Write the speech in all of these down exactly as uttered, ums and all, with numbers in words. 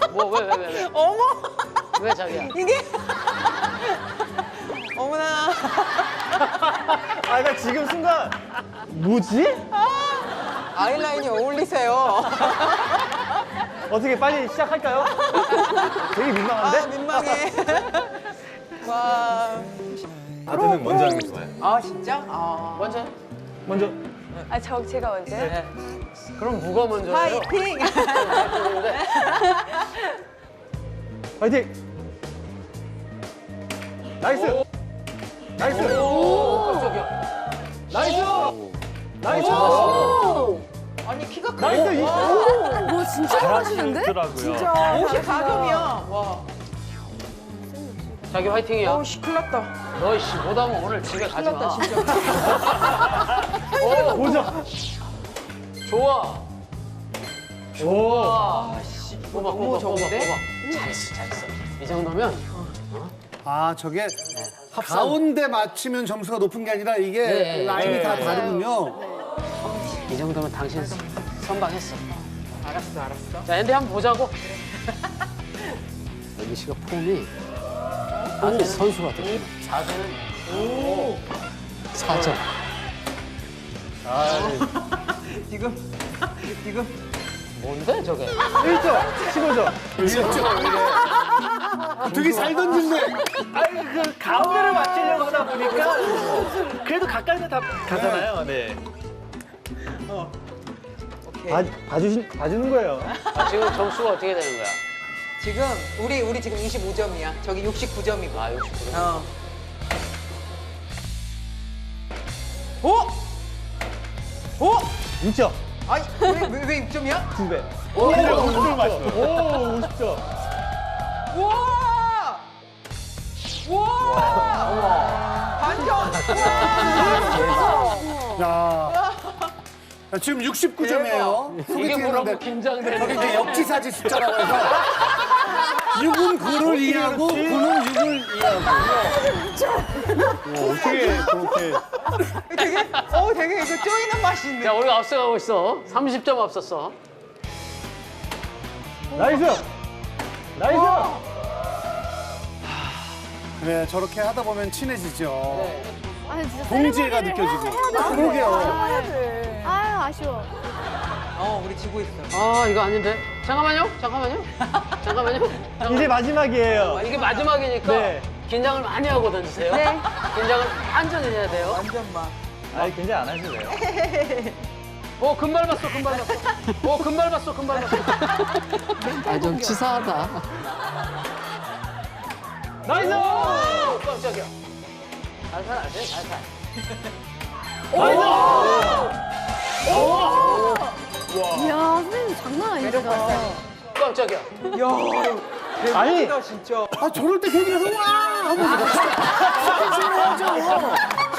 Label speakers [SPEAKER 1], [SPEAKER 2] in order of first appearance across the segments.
[SPEAKER 1] 뭐 왜 왜 왜 왜, 왜?
[SPEAKER 2] 어머!
[SPEAKER 1] 왜 자기야?
[SPEAKER 2] 이게? 어머나.
[SPEAKER 3] 아, 나 지금 순간 뭐지?
[SPEAKER 2] 아이라인이 어울리세요.
[SPEAKER 3] 어떻게 빨리 시작할까요? 되게 민망한데?
[SPEAKER 2] 아, 민망해. 와.
[SPEAKER 3] 다드는 먼저 하는 게 좋아요.
[SPEAKER 2] 아, 진짜? 아.
[SPEAKER 1] 먼저.
[SPEAKER 3] 먼저.
[SPEAKER 4] 아, 저 제가 먼저.
[SPEAKER 1] 네. 그럼 누가 먼저예요?
[SPEAKER 2] 파이팅!
[SPEAKER 3] 화이팅! 나이스! 나이스!
[SPEAKER 1] 오, 깜짝이야.
[SPEAKER 3] 나이스! 나이스!
[SPEAKER 2] 아니, 키가 크네.
[SPEAKER 3] 나이스! 이- 오!
[SPEAKER 4] 와, 진짜 잘하시는데? 진짜.
[SPEAKER 2] 오십사 점이야. 와.
[SPEAKER 1] 자기 화이팅이야.
[SPEAKER 2] 어, 씨, 큰일 났다.
[SPEAKER 1] 너씨 못하면 오늘 집에 가지 마.
[SPEAKER 2] 큰일 났다, 진짜.
[SPEAKER 1] 오,
[SPEAKER 3] 보자!
[SPEAKER 1] 좋아.
[SPEAKER 3] 오!
[SPEAKER 1] 아, 씨. 뽑아,
[SPEAKER 2] 너무
[SPEAKER 1] 뽑아, 뽑아,
[SPEAKER 2] 좋은데?
[SPEAKER 1] 뽑아. 잘했어, 잘했어. 이 정도면
[SPEAKER 5] 아, 저게 가운데 맞추면 점수가 높은 게 아니라 이게
[SPEAKER 1] 네.
[SPEAKER 5] 라인이
[SPEAKER 3] 네.
[SPEAKER 5] 다 다르군요.
[SPEAKER 1] 이 정도면 당신 선방했어.
[SPEAKER 2] 알았어, 알았어.
[SPEAKER 1] 자, 앤디 한번 보자고. 여기 씨가 폼이 아주 선수 같아. 사 점은 사 점.
[SPEAKER 2] 지금, 지금.
[SPEAKER 1] 뭔데 저게?
[SPEAKER 3] 일 점! 십오 점!
[SPEAKER 5] 되게 잘 던진네.
[SPEAKER 3] 아니, 그 가운데를 맞추려고 하다 보니까 그래도 가까이서 다 가잖아요. 네.
[SPEAKER 2] 오케이.
[SPEAKER 3] 봐, 봐주신, 봐주는 거예요.
[SPEAKER 1] 아, 지금 점수가 어떻게 되는 거야?
[SPEAKER 2] 지금, 우리, 우리 지금 이십오 점이야. 저기 육십구 점이고.
[SPEAKER 1] 아, 육십구 점.
[SPEAKER 2] 어. 오! 오!
[SPEAKER 3] 육 점!
[SPEAKER 2] 아니, 왜, 왜, 왜 육 점이야?
[SPEAKER 3] 두 배. 오! 오십 점 맞어. 오! 오십 점.
[SPEAKER 2] 우와! 우와! 반점!
[SPEAKER 5] 야. 자, 지금 육십구 점이에요.
[SPEAKER 1] 이게 뭐라고 긴장되는
[SPEAKER 5] 이게 역지사지 숫자라고 해서 육은 구를 이해하고 구는 육을 이해하고.
[SPEAKER 3] 어떻게 그렇게.
[SPEAKER 2] 되게, 어, 되게 이거 쪼이는 맛이 있네.
[SPEAKER 1] 자, 우리가 앞서가고 있어. 삼십 점 앞섰어.
[SPEAKER 3] 나이스! 나이스!
[SPEAKER 5] 네, 저렇게 하다 보면 친해지죠.
[SPEAKER 4] 아니, 진짜
[SPEAKER 5] 동지애가
[SPEAKER 4] 세레머니를
[SPEAKER 5] 느껴지고.
[SPEAKER 4] 해야 돼.
[SPEAKER 5] 그러게요.
[SPEAKER 4] 해야 돼. 아유, 아쉬워.
[SPEAKER 2] 어, 우리 지고 있어.
[SPEAKER 1] 아, 이거 아닌데. 잠깐만요. 잠깐만요. 잠깐만요. 잠깐만요.
[SPEAKER 3] 이제 마지막이에요.
[SPEAKER 1] 아, 이게 마지막이니까
[SPEAKER 3] 네.
[SPEAKER 1] 긴장을 많이 하고 던지세요.
[SPEAKER 4] 네.
[SPEAKER 1] 긴장을 완전히 해야 돼요.
[SPEAKER 2] 완전 막.
[SPEAKER 3] 아니, 굉장히 안 하실래요?
[SPEAKER 1] 오, 금발 봤어, 금발 봤어. 오, 금발 봤어, 금발 봤어. 아, 좀 치사하다.
[SPEAKER 3] 나이스!
[SPEAKER 1] 오, 깜짝이야. 살살 하세요, 살살.
[SPEAKER 4] 이야, 선생님 장난 아니다.
[SPEAKER 1] 깜짝이야.
[SPEAKER 2] 야,
[SPEAKER 3] 아니.
[SPEAKER 2] 대박이다, 진짜.
[SPEAKER 5] 아, 저럴 때 괜히 가서 와! 하면서 스킨십을 하죠.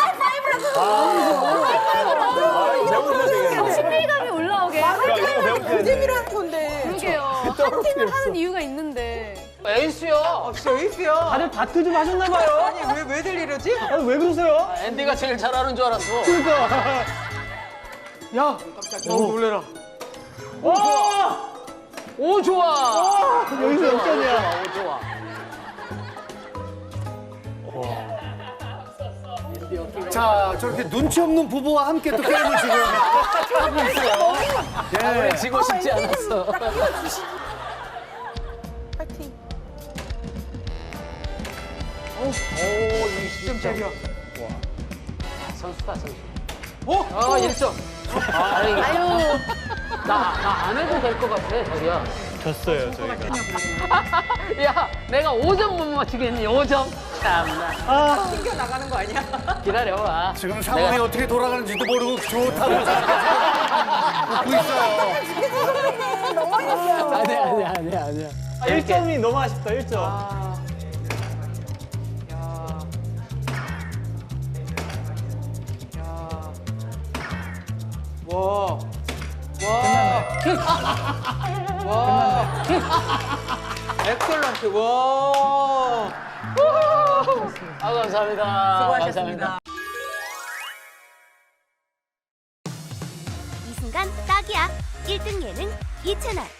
[SPEAKER 4] 친밀감이 올라오게.
[SPEAKER 3] 이거 배우셔야 돼.
[SPEAKER 2] 잼이라는 건데.
[SPEAKER 4] 그러게요. 한 팀을 하는 이유가 있는데.
[SPEAKER 1] 에이스야.
[SPEAKER 2] 아, 진짜 에이스야.
[SPEAKER 3] 다들 다트 좀 하셨나봐요.
[SPEAKER 2] 아니, 왜, 왜들 이러지?
[SPEAKER 3] 아니, 왜 그러세요?
[SPEAKER 1] 앤디가 제일 잘하는 줄 알았어.
[SPEAKER 3] 그러니까. 야!
[SPEAKER 2] 깜짝이야.
[SPEAKER 1] 너무 놀래라.
[SPEAKER 3] 와!
[SPEAKER 1] 오, 좋아.
[SPEAKER 3] 여기서 역전이야.
[SPEAKER 1] 오, 좋아.
[SPEAKER 5] 자, 저렇게 눈치 없는 부부와 함께 또 게임을 지금 하고 있어요.
[SPEAKER 1] 아, 우리 지고 싶지 않았어.
[SPEAKER 2] 파이팅.
[SPEAKER 1] 오, 이십 점짜리야. 선수다, 선수. 오! 아, 일 점. 아, 다행이다.
[SPEAKER 4] 아유.
[SPEAKER 1] 나, 나 안 해도 될 것 같아, 자기야.
[SPEAKER 3] 졌어요, 저희가.
[SPEAKER 1] 야, 내가 오 점 못 맞추겠니? 오 점? 참나.
[SPEAKER 3] 아,
[SPEAKER 2] 튕겨 나가는 거 아니야?
[SPEAKER 1] 기다려봐.
[SPEAKER 5] 지금 상황이
[SPEAKER 1] 내가-
[SPEAKER 5] 어떻게 돌아가는지도 모르고 좋다고 웃고 있어요.
[SPEAKER 2] 너무
[SPEAKER 1] 아니야, 아니야, 아니야, 아니야.
[SPEAKER 3] 일 점이 너무 아쉽다, 일 점.
[SPEAKER 2] 아. 야. 야. 와. 와.
[SPEAKER 1] 킥!
[SPEAKER 2] 와. 엑셀런트. 와.
[SPEAKER 1] 아, 감사합니다.
[SPEAKER 2] 수고하셨습니다.
[SPEAKER 6] 이 순간 딱이야. 일 등 예능 이 채널.